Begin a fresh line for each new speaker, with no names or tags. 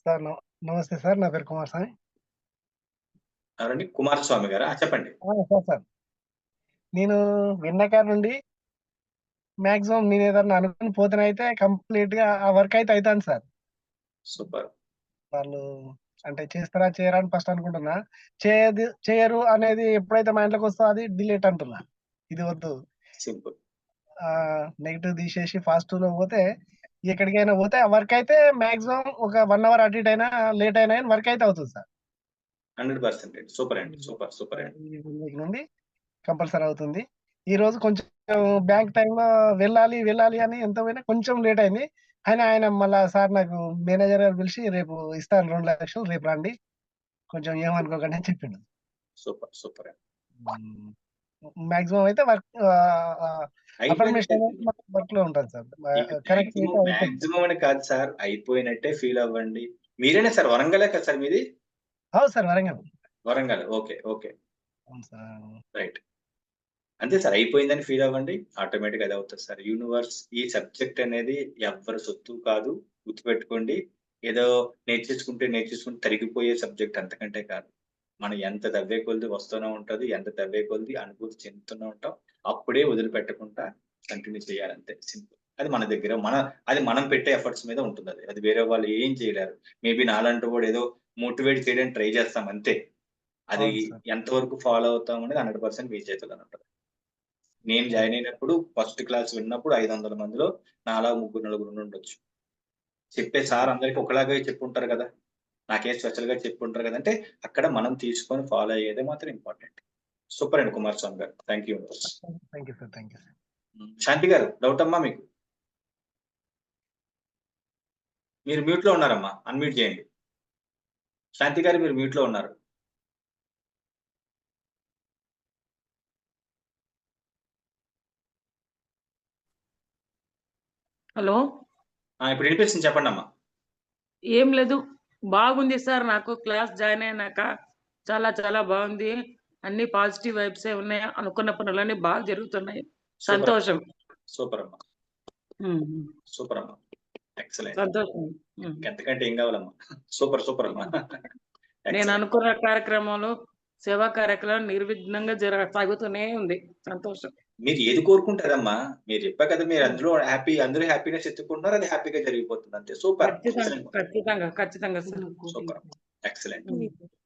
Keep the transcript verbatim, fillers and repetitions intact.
Sir నమ నమస్తే sir. నా పేరు కుమారస్వామి.
ఎవరండి? కుమారస్వామి గారా? ఆ! చెప్పండి.
ఆ! Sir, sir. నేను విన్న కాడ నుండి మాక్సిమం నేనేదన్నా అనుకుని పోతేనైతే కంప్లీట్‌గా ఆ వర్క్ అయితే అయితాంది సార్.
సూపర్.
వాళ్ళు అంటే చేస్తారా? చేయరా? అని ఫస్ట్ అనుకుంటున్నా. చేయదు చేయరు అనేది ఎప్పుడైతే మైండ్‌లోకొస్తదో అది డిలీట్ అంటున్నా. ఇది వద్దు.
సింపుల్.
ఆహ్, నెగెటివ్ తీసేసి పాజిటివ్‌లో పోతే ఎక్కడికైనా పోతే ఆ వర్క్ అయితే మాక్సిమం ఒక 1 అవర్ అటు ఇటు అయినా, లేట్ అయినా గాని వర్క్ అయితే అవుతది సార్.
వంద శాతం అండి. సూపర్ అండి.
హ్మ్.
సూపర్. సూపర్
ఆహ్,
అండి.
ఈ వీక్ నుండి కంపల్సరీ అవుతుంది. ఈరోజు కొంచెం బ్యాంక్ టైమ్‌లో వెళ్ళాలి, వెళ్ళాలి అని ఎంత పోయినా కొంచెం లేట్ అయింది. అయినా ఆయన మళ్ళా సార్ నాకు మేనేజర్ గారు పిలిచి "రేపు ఇస్తాను రెండు లక్షలు రేపు రండి. కొంచెం ఏమనుకోకండి" అని చెప్పిండు.
సూపర్. సూపర్ అండి.
హ్మ్. మాక్సిమం అయితే వర్క్ ఆహ్, ఆహ్, అఫర్మేషన్
అయిపోయినట్టే.
అనేది మాకు వర్క్‌లో ఉంటది సార్.
ఇక
ఆహ్, కరెక్ట్ అయితే
మాక్సిమం,
అయిపోతుంది.
మాక్సిమం అని కాదు సార్. అయిపోయినట్టే ఫీల్ అవ్వండి. మీరేనా సార్? వరంగలే కదా సార్ మీది?
అవును sir. Warangal.
Warangal. Okay. Okay.
అవును సార్.
రైట్. అంతే సార్. అయిపోయిందని ఫీల్ అవ్వండి. ఆటోమేటిక్‌గా అదే అవుతది సార్. యూనివర్స్ ఈ సబ్జెక్ట్ అనేది ఎవ్వరి సొత్తు కాదు. గుర్తుపెట్టుకోండి. ఏదో నేర్చేసుకుంటే, నేర్చేసుకుంటే తరిగిపోయే సబ్జెక్ట్ అంతకంటే కాదు. మనం ఎంత తవ్వే కొద్దీ వస్తూనే ఉంటది. ఎంత తవ్వే కొద్దీ అనుభూతి చెందుతూనే ఉంటాం. అప్పుడే వదిలిపెట్టకుండా కంటిన్యూ చేయాలంతే సింపుల్. అది మన దగ్గర మన అది మనం పెట్టే ఎఫర్ట్స్ మీద ఉంటుందది. అది అది వేరే వాళ్ళు ఏం చేయలేరు. మేబీ నాలాంటి వాడు ఏదో మోటివేట్ చేయడానికి ట్రై చేస్తాం అంతే. అది
అవును సార్.
ఎంతవరకు ఫాలో అవుతాం అనేది వంద శాతం మీ చేతుల్లోనే ఉంటది. నేను
అవును.
జాయిన్ అయినప్పుడు ఫస్ట్ క్లాస్ విన్నప్పుడు ఐదు వందల మందిలో నాలా ముగ్గురు, నలుగురు ఉండుండొచ్చు. చెప్పే
హ్మ్.
సార్ అందరికి ఒకలాగే చెప్పుంటారు గదా! నాకేం స్పెషల్‌గా చెప్పుంటారు గదా! అంటే అక్కడ మనం తీసుకొని ఫాలో అయ్యేదే మాత్రం ఇంపార్టెంట్. సూపర్ అండి Kumaraswamy garu. Thank you.
Thank you sir. Thank you sir.
Hmm. Shanti గారు డౌటమ్మా మీకు? మీరు మ్యూట్‌లో ఉన్నారమ్మా. అన్‌మ్యూట్ చేయండి. శాంతి గారు మీరు మ్యూట్‌లో ఉన్నారు.
హలో!
ఆ! ఇప్పుడు వినిపిస్తుంది చెప్పండమ్మా.
ఏం లేదు. బాగుంది సార్ నాకు క్లాస్ జాయిన్ అయినాక. చాలా చాలా బాగుంది. అన్ని పాజిటివ్ వైబ్సే ఉన్నాయి. అనుకున్న పనులన్నీ బాగా జరుగుతున్నాయి.
సూపర్.
సంతోషం.
సూపర్ అమ్మా.
హ్మ్. హ్మ్.
సూపర్ అమ్మా. ఎక్సలెంట్.
సంతోషం. హ్మ్.
ఇంకంతకంటే ఏం కావాలమ్మా. సూపర్ సూపర్ అమ్మా.
నేను
ఎక్సలెంట్.
అనుకున్న కార్యక్రమాలు, సేవా కార్యక్రమాలు నిర్విఘ్నంగా జర సాగుతూనే ఉంది. సంతోషం.
మీరు ఏది కోరుకుంటే అదమ్మా. మీరు చెప్పారు కదా! మీరు
హ్మ్.
అందులో హ్యాపీ అందరూ హ్యాపీనెస్ ఎతుక్కుంటున్నారు. అది హ్యాపీగా జరిగిపోతుంది అంతే. సూపర్.
ఖచ్చితంగా.
ఎక్సలెంట్.
ఖచ్చితంగా. ఖచ్చితంగా సార్.
సూపర్. ఎక్సలెంట్.
హ్మ్.